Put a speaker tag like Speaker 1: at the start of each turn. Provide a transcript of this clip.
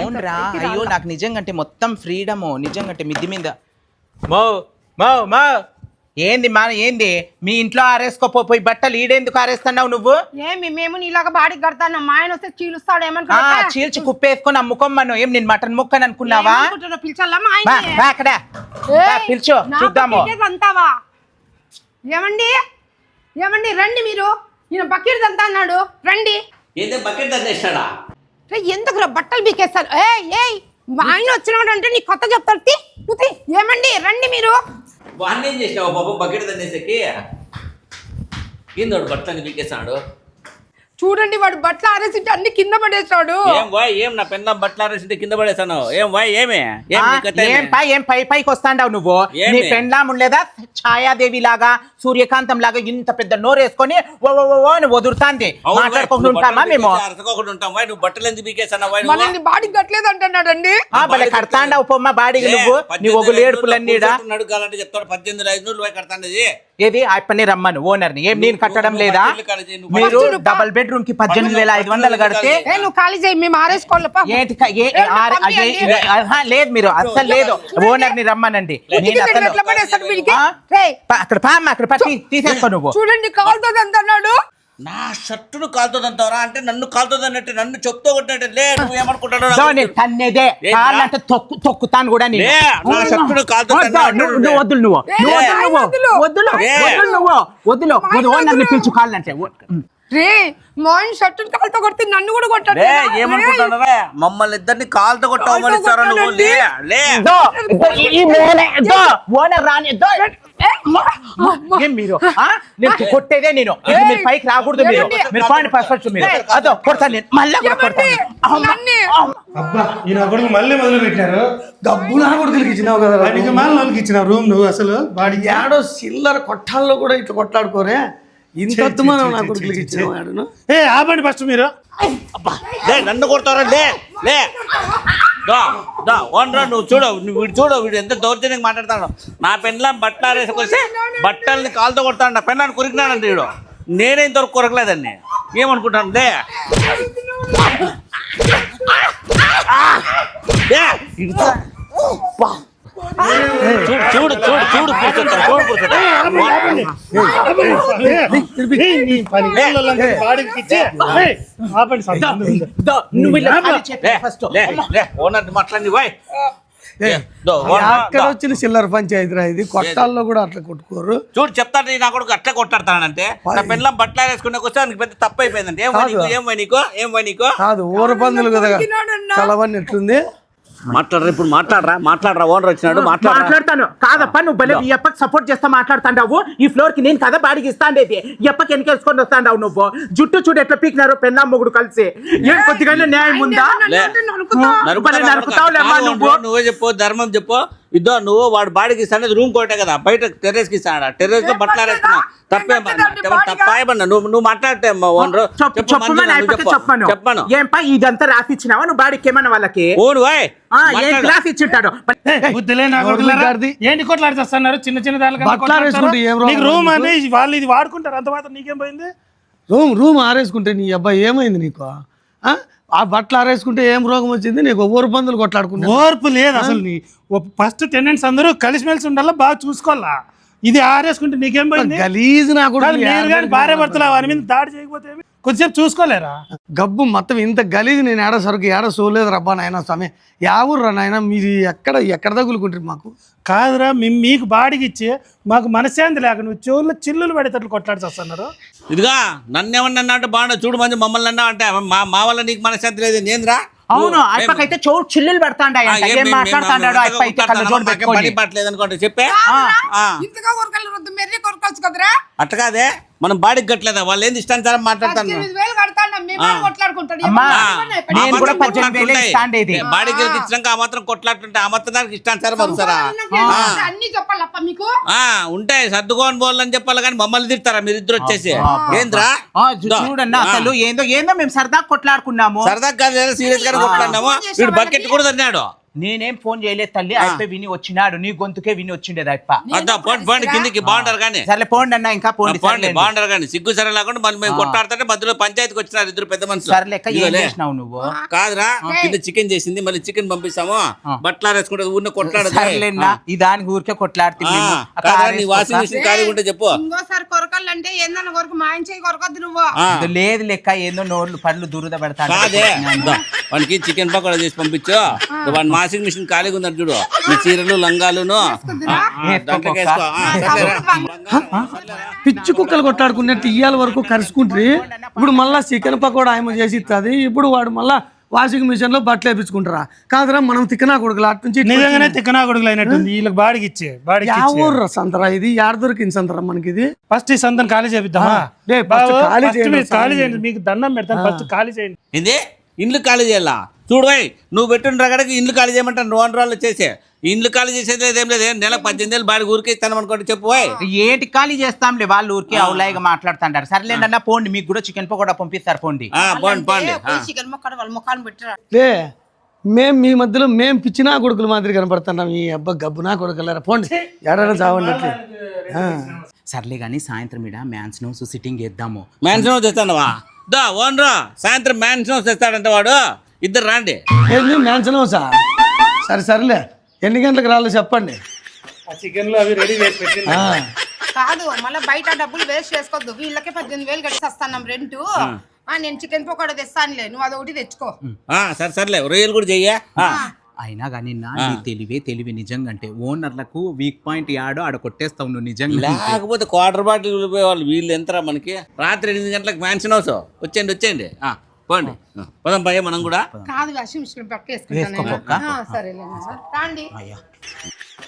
Speaker 1: అవునరా అయ్యో నాకు నిజంగా అంటే మొత్తం ఫ్రీడము నిజంగా అంటే మిద్ది మీద మో మో మో ఏంది మా ఏంది మీ ఇంట్లో ఆరేసుకోపోయి బట్టలు ఈడేందుకు ఆరేస్తున్నావు నువ్వు
Speaker 2: ఏమి మేము నీలాగా బాడీ కడతాను మా ఆయన వస్తే చీలుస్తాడు
Speaker 1: ఆ, చీల్చి కుప్పేసుకొని అమ్ముకోమ్మను ఏం నేను మటన్ ముక్కని అనుకున్నావా
Speaker 2: పిలిచాలా మా
Speaker 1: బా,
Speaker 2: ఆయన
Speaker 1: బా అక్కడ బా, పిలిచో చూద్దాము
Speaker 2: అంతావా ఏమండి ఏమండి రండి మీరు ఈయన బకెట్ అంతా అన్నాడు రండి
Speaker 3: ఏందే బకెట్ దండేస్తాడా
Speaker 2: ఎందుకు బట్టలు బీకేస్తారు ఏయ్ మా ఆయన వచ్చినాడు అంటే నీ కొత్త చెప్తాడు ఏమండి రండి మీరు
Speaker 3: వాడిని ఏం చేసినావు పాపం బకెట్ దండేసేకి ఏందోడు బట్టలని పీకేస్తాడు
Speaker 2: చూడండి వాడు బట్టలు ఆరేసింటే అన్ని కింద పడేస్తాడు
Speaker 3: ఏం వాయ్ ఏం నా పెన్న బట్టలు ఆరేసింటే కింద పడేస్తాను ఏం వాయ్ ఏమే ఏం నీ కథ ఏమి?
Speaker 1: ఏం పైకి వస్తాండావు నువ్వు
Speaker 3: ఏమి?
Speaker 1: నీ పెండ్లాం ఉండలేదా ఛాయాదేవి లాగా సూర్యకాంతం లాగా ఇంత పెద్ద నోరేసుకొని ఓ ఓ ఓ అని వదురుతాంది
Speaker 3: అవును వాయ్,
Speaker 1: మాట్లాడుకుంటూ
Speaker 3: నువ్వు
Speaker 1: ఉంటామా
Speaker 3: బట్టలు
Speaker 1: మేము
Speaker 3: పీకేసి అరచుకోకుండా ఉంటాం వాయ్ నువ్వు బట్టలు ఎందుకు పీకేస్తాను వాయ్ నువ్వు?
Speaker 2: మనల్ని బాడీ కట్టలేదు అంటున్నాడండి
Speaker 1: భలే కడతాండావు పొమ్మ బాడీకి
Speaker 3: లే,
Speaker 1: నువ్వు నీ
Speaker 3: 18
Speaker 1: ఒగులు ఏడుపులన్నీడా
Speaker 3: కూర్చొని నడుకాలంటే చెప్తాడు 18,500 రూపాయలు కడతాండది
Speaker 1: ఏది అప్పని రమ్మను ఓనర్ని ఏం నేను కట్టడం లేదా మీరు డబల్ బెడ్రూమ్ కి 18,500 కడితే
Speaker 2: నువ్వు ఖాళీ చేయి మేము ఆరేసుకోవాలప్ప
Speaker 1: ఏంటి లేదు మీరు అస్సలు లేదు ఓనర్ ని రమ్మనండి నేను అసలు అక్కడ పామ్మ అక్కడ తీసేసుకో నువ్వు
Speaker 2: చూడండి కాలుతుంది అంటున్నాడు
Speaker 3: నా షర్టును కాలుతుందంటావరా అంటే నన్ను కాలుతుందన్నట్టు నన్ను చెప్తూ కొట్టినట్టు లే నువ్వు ఏమనుకుంటాడు
Speaker 1: తన్నేదే కాళ్ళంటే తొక్కుతాను కూడా నేను
Speaker 3: నా షర్టును కాలుతుందన్నాడు
Speaker 1: వద్దులు నువ్వు వద్దులు ఓనర్ ని పిలుచు కాళ్ళంటే
Speaker 2: రే మోహన్ షర్ట్ కాలుతో కొడితే నన్ను కూడా కొట్టాడు
Speaker 3: ఏమనుకుంటాడరా మమ్మల్ని ఇద్దరిని కాలుతో కొట్టవమనిస్తారా నువ్వు లే లే
Speaker 1: ఓనర్ రాని ఏం మీరు నేను కొట్టేదే నేను మీరు పైకి రాకూడదు మీరు పాయింట్ పర్ఫెక్ట్ మీరు అదో కొడతాను నేను మళ్ళీ
Speaker 4: అబ్బా ఈయన కొడుకు మళ్ళీ మొదలు పెట్టారు
Speaker 5: డబ్బు నా కొడుకులకి ఇచ్చినావు కదా
Speaker 4: వాడికి వాళ్ళకి ఇచ్చినావు రూమ్ నువ్వు అసలు వాడికి
Speaker 5: ఏడో చిల్లర కొట్టాల్లో కూడా ఇట్లా కొట్లాడుకోరే ఇంత మనం నా కొడుకులకి ఇచ్చినావు
Speaker 4: ఏ ఆపండి ఫస్ట్ మీరు
Speaker 3: లే నన్ను కొడతారా లే లే ఓనరా నువ్వు చూడు వీడు చూడు వీడు ఎంత దౌర్జన్యంగా మాట్లాడతాడు నా పెన్లాం బట్టలు ఆరేసుకొస్తే బట్టల్ని కాలుతో కొడతాడు నా పెన్లాన్ని కొరికినాడంటే వీడు నేనే ఇంతవరకు కొరకలేదండి ఏమనుకుంటాను లే చూడు చూడు చూడు ఓనర్ మాట్లాడి బాయ్
Speaker 5: అక్కడ వచ్చిన చిల్లర పంచాయతీ ఇది కొట్టాల్లో కూడా అట్లా కొట్టుకోరు
Speaker 3: చూడు చెప్తాను నా కొడుకు అట్లా కొట్టాడతానంటే నా పెళ్ళం బట్టలు వేసుకునే వస్తే దానికి పెద్ద తప్పు అయిపోయిందంటే ఏం నీకు
Speaker 5: కాదు ఊర పందులు కదా కలవని ఎట్లుంది
Speaker 3: మాట్లాడరా ఇప్పుడు మాట్లాడరా ఓనర్ వచ్చినాడు
Speaker 1: మాట్లాడతాను కాదప్ప నువ్వు భలే ఈ అప్పకి సపోర్ట్ చేస్తా మాట్లాడుతాండావు ఈ ఫ్లోర్ కి నేను కదా బాడికి ఇస్తాండేది ఈ అప్పకి వెనకేసుకొని వస్తాండావు నువ్వు జుట్టు చూడు ఎట్లా పీకినారు పెన్నా మొగుడు కలిసి ఏం కొద్దిగా న్యాయం ఉందా
Speaker 3: నువ్వే చెప్పు ధర్మం చెప్పు ఇద్దో నువ్వు వాడు బాడికి ఇస్తాను రూమ్ కోటే కదా బయట టెర్రస్ కి ఇస్తాడు టెర్రస్ లో బట్టలు ఆరేస్తున్నా తప్పేమన్నా నువ్వు మాట్లాడితే చెప్పాను
Speaker 1: ఏంపా ఇదంతా రాసిచ్చినావా నువ్వు బాడికి ఏమన్నా వాళ్ళకి
Speaker 3: ఓను
Speaker 1: రాసి ఇచ్చింటాడు
Speaker 4: ఏంటి కొట్లాడుతున్నారు చిన్న చిన్న దానికి రూమ్ అని వాళ్ళు ఇది వాడుకుంటారు అంత మాత్రం నీకేం పోయింది
Speaker 5: రూమ్ ఆరేసుకుంటే నీ అబ్బాయి ఏమైంది నీకు ఆ బట్టలు ఆరేసుకుంటే ఏం రోగం వచ్చింది నీకు ఓరు పందులు కొట్లాడుకుంటా
Speaker 4: ఓర్పు లేదు అసలు నీ ఫస్ట్ టెనెంట్స్ అందరూ కలిసిమెలిసి ఉండాలా బాగా చూసుకోవాలా ఇది ఆరేసుకుంటే నీకేం పోయింది
Speaker 5: గలీజ్ నా కూడా
Speaker 4: భార్య భర్తలు వారి మీద దాడి చేయకపోతే కొద్దిసేపు చూసుకోలేరా
Speaker 5: గబ్బు మొత్తం ఇంత గలీజ్ నేను ఏడ సరుకు ఏడ సోలేదు రబ్బా నాయన స్వామి యావుర్రా నాయన మీరు ఎక్కడ తగులుకుంటారు మాకు
Speaker 4: కాదురా మీకు బాడికి ఇచ్చి మాకు మనశ్శాంతి లేక నువ్వు చెవుల్లో చిల్లులు పడేటట్లు కొట్లాడుతున్నారు
Speaker 3: ఇదిగా నన్ను ఏమన్నా అంటే బాగుండదు చూడు మంది మమ్మల్ని అన్నా అంటే మా వల్ల నీకు మనశ్శాంతి లేదు నేంద్రా
Speaker 1: అవును అప్పకైతే చోటు చిల్లులు
Speaker 3: పట్టలేదు అనుకోండి చెప్పే అట్లా కాదే మనం బాడీకి కట్టలేదా వాళ్ళు ఏంది ఇష్టానుసారం మాట్లాడతాను బాడీకి ఇచ్చినాక ఆ మాత్రం కొట్లాడుతుంటే ఆ మాత్రం దానికి ఇష్టానుసారం వస్తారా ఉంటాయి సర్దుకోని పోవాలని చెప్పాలి కానీ మమ్మల్ని తిడతారా మీరు ఇద్దరు వచ్చేసి ఏంద్రా
Speaker 1: చూడన్నా అసలు ఏందో మేము సరదా కొట్లాడుకున్నాము
Speaker 3: సరదా కాదు సీరియస్ గా కొట్లాడినాము వీడు బకెట్ కూడా తన్నాడు
Speaker 1: నేనేం ఫోన్ చేయలేదు తల్లి అయిపోయి విని వచ్చినాడు నీ గొంతుకే విని వచ్చిండేది అప్ప
Speaker 3: అద్దా పోండి కిందికి బాగుంటారు కానీ
Speaker 1: సర్లే పోండి అన్న ఇంకా పోండి
Speaker 3: పోండి బాగుంటారు కానీ సిగ్గు సరే లేకుండా మళ్ళీ మేము కొట్టాడుతుంటే మధ్యలో పంచాయతీకి వచ్చినారు ఇద్దరు పెద్ద మనుషులు
Speaker 1: సర్లేక ఏం
Speaker 3: ఇదిగోలే.
Speaker 1: చేసినావు నువ్వు
Speaker 3: కాదురా కింద చికెన్ చేసింది మళ్ళీ చికెన్ పంపిస్తాము బట్టలు ఆరేసుకుంటే ఊరిని కొట్లాడదు
Speaker 1: సర్లేనా ఈ దానికి ఊరికే కొట్లాడుతుంది
Speaker 3: నీ వాషింగ్ మిషన్ ఖాళీ ఉంటే చెప్పు
Speaker 2: ఇంకోసారి కొరకాలంటే ఏందన్న కొరకు మా ఆయన చేయి కొరకొద్దు నువ్వు
Speaker 1: లేదు లెక్క ఏందో నోర్లు పళ్ళు దురద పెడతాను
Speaker 3: కాదే వానికి చికెన్ పకోడా చేసి పంపించు వాడి వాషింగ్ మిషన్ ఖాళీగా ఉన్నారు చూడు నీ చీరలు లంగాలును దాంట్లోకి వేసుకో. సర్లేరా?
Speaker 5: పిచ్చి కుక్కలు కొట్లాడుకున్నట్టు ఇయ్యాల వరకు కరుచుకుంటే ఇప్పుడు మళ్ళా చికెన్ పకోడా ఆయమ చేసి ఇస్తుంది ఇప్పుడు వాడు మళ్ళా వాషింగ్ మిషన్ లో బట్టలు వేపించుకుంటారా కాదురా మనం తిక్కనా కొడుకులు అటు నుంచి
Speaker 4: నిజంగానే తిక్కనా కొడుకులు అయినట్టుంది వీళ్ళకి బాడికి ఇచ్చే
Speaker 5: ఊర్రా సంతరా ఇది యాడ దొరికింది సంతరా మనకి ఇది
Speaker 4: ఫస్ట్ ఈ సంతం ఖాళీ చేపిద్దామా
Speaker 5: డే, first ఖాళీ చేయండి.
Speaker 4: ఖాళీ చేయండి మీకు దండం పెడతాను ఫస్ట్ ఖాళీ చేయండి
Speaker 3: ఏంది ఇండ్లు ఖాళీ చేయాలా చూడు పోయి నువ్వు పెట్టిన రగడకి ఇండ్లు ఖాళీ చేయమంటాను నువ్వు రోజులు చేసే ఇండ్లు ఖాళీ చేసేది ఏం లేదు నెలకు 18,000 బాడి ఊరికే ఇస్తాను అనుకోండి చెప్పు పోయ్.
Speaker 1: ఏంటి ఖాళీ చేస్తాంలే వాళ్ళు ఊరికే అవులాయిగా మాట్లాడుతుంటారు సర్లేండి అన్న పోండి మీకు కూడా చికెన్ పకోడా పంపిస్తారు పోండి
Speaker 3: పోండి
Speaker 2: చికెన్ మొక్కడ వాళ్ళ ముఖాన్ని పెట్టరా
Speaker 5: లే మీ మధ్యలో మేము పిచ్చినా కొడుకుల మాదిరి కనపడుతున్నాం ఈ అబ్బా గబ్బునా కొడుకులారా పోండి ఎడైనా చావండి
Speaker 1: సర్లే కానీ సాయంత్రం ఇడ మ్యాన్స్ నౌస్ సిట్టింగ్ వేద్దాము
Speaker 3: మ్యాన్షన్ హౌస్ తెస్తానవా దా ఓనరా సాయంత్రం మ్యాన్షన్ హౌస్ తెస్తాడంట వాడు ఇద్దరు రాండి
Speaker 5: ఏంది మ్యాన్షన్ హౌసా సరేలే ఎన్ని గంటలకు రాలో చెప్పండి
Speaker 4: చికెన్ లో అవి రెడీ చేసి పెట్టి
Speaker 5: ఆ,
Speaker 2: కాదు మళ్ళీ బయట డబ్బులు వేస్ట్ చేసుకోవద్దు వీళ్ళకే 18,000 కట్టి వస్తాను రెంట్ నేను చికెన్ పకోడా తెస్తానులే నువ్వు అదొకటి తెచ్చుకో
Speaker 3: సర్లే రొయ్యలు కూడా చెయ్యా
Speaker 1: అయినా కానీ నీ తెలివి నిజంగా అంటే ఓనర్లకు వీక్ పాయింట్ యాడో ఆడ కొట్టేస్తావు నువ్వు నిజంగా
Speaker 3: లేకపోతే క్వార్టర్ బాటిల్ వాళ్ళు వీళ్ళు ఎంతరా మనకి రాత్రి 8 గంటలకు మ్యాన్షన్ హౌస్ వచ్చేయండి పోండి పోదాం భయ్య మనం కూడా
Speaker 2: కాదు వాషింగ్ మిషన్ పక్క
Speaker 1: వేసుకో
Speaker 2: వేసుకుంటాను
Speaker 1: పక్క.
Speaker 2: సరేలే రండి
Speaker 1: అయ్యా